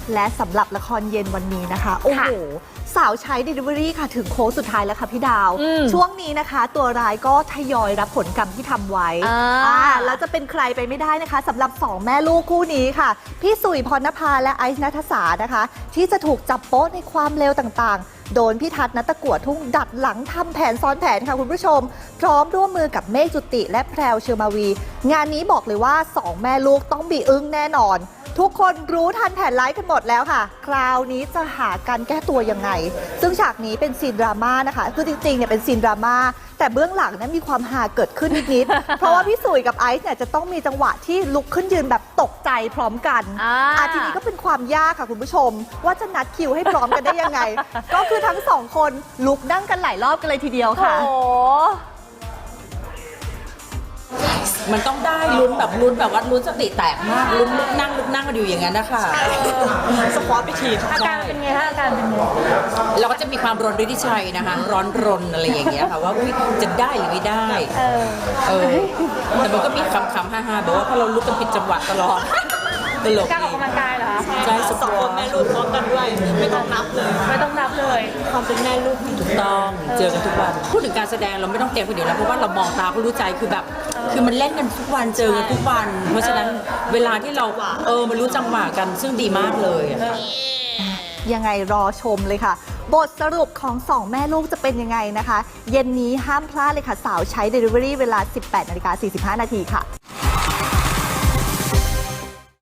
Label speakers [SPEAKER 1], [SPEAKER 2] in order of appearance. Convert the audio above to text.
[SPEAKER 1] และสำหรับละครเย็นวันนี้นะคะโอ้โหสาวใช้ Delivery ค่ะถึงโค้งสุดท้ายแล้วค่ะพี่ดาวช่วงนี้นะคะตัวร้ายก็ทยอยรับผลกรรมที่ทำไว้แล้วจะเป็นใครไปไม่ได้นะคะสำหรับ2แม่ลูกคู่นี้ค่ะพี่สุยพรณภาและไอซ์ณัฐสานะคะที่จะถูกจับโป๊ะในความเลวต่างๆโดนพี่ทัศน์ณัตกัวทุ่งดัดหลังทำแผนซ้อนแผนค่ะคุณผู้ชมพร้อมร่วมมือกับเมฆจุติและแพรวเชอร์มาวีงานนี้บอกเลยว่า2แม่ลูกต้องบีอึ้งแน่นอนทุกคนรู้ทันแผนร้ายกันหมดแล้วค่ะคราวนี้จะหาการแก้ตัวยังไงซึ่งฉากนี้เป็นซีนดราม่านะคะคือจริงๆเนี่ยเป็นซีนดราม่าแต่เบื้องหลังนั้นมีความฮาเกิดขึ้นนิดๆ เพราะว่าพี่สุยกับไอซ์เนี่ยจะต้องมีจังหวะที่ลุกขึ้นยืนแบบตกใจพร้อมกันทีนี้ก็เป็นความยากค่ะคุณผู้ชมว่าจะนัดคิวให้พร้อมกันได้ยังไง ก็คือทั้งสองคนลุกนั่งกันหลายรอบกันเลยทีเดียวค่ะ
[SPEAKER 2] มันต้องได้ลุ้นแบบว่าลุ้นสติแตกมากลุ้นลุกนั่งกันอยู่อย่างนั้นนะคะ
[SPEAKER 1] สควอตไปที
[SPEAKER 3] อาการเป็นไงคะอาการเป็นไง
[SPEAKER 2] เราก็จะมีความร้อนฤทธิชัยนะคะร้อนรนอะไรอย่างเงี้ยค่ะว่าจะได้หรือไม่ได้แต่มันก็มีคำฮ่าๆแบบว่าพอเราลุกกันผิดจังหวะตลอดตลก
[SPEAKER 3] การออกกำลังกายเหรอคะ
[SPEAKER 2] ใช่
[SPEAKER 1] สองคนแม่ลูกพร้อมกันด้วยไม่ต้องนับเลย
[SPEAKER 2] ความเป็นแม่ลูกถูกต้องเจอกันทุกวันพูดถึงการแสดงเราไม่ต้องเตรียมคนเดียวแล้วเพราะว่าเรามองตาก็รู้ใจคือแบบคือมันเล่นกันทุกวันเจอกันทุกวันเพราะฉะนั้นเวลาที่เรามันรู้จังหวะกันซึ่งดีมากเลย
[SPEAKER 1] ยังไงรอชมเลยค่ะบทสรุปของ2แม่ลูกจะเป็นยังไงนะคะเย็นนี้ห้ามพลาดเลยค่ะสาวใช้ Delivery เวลา 18:45 นาทีค่ะ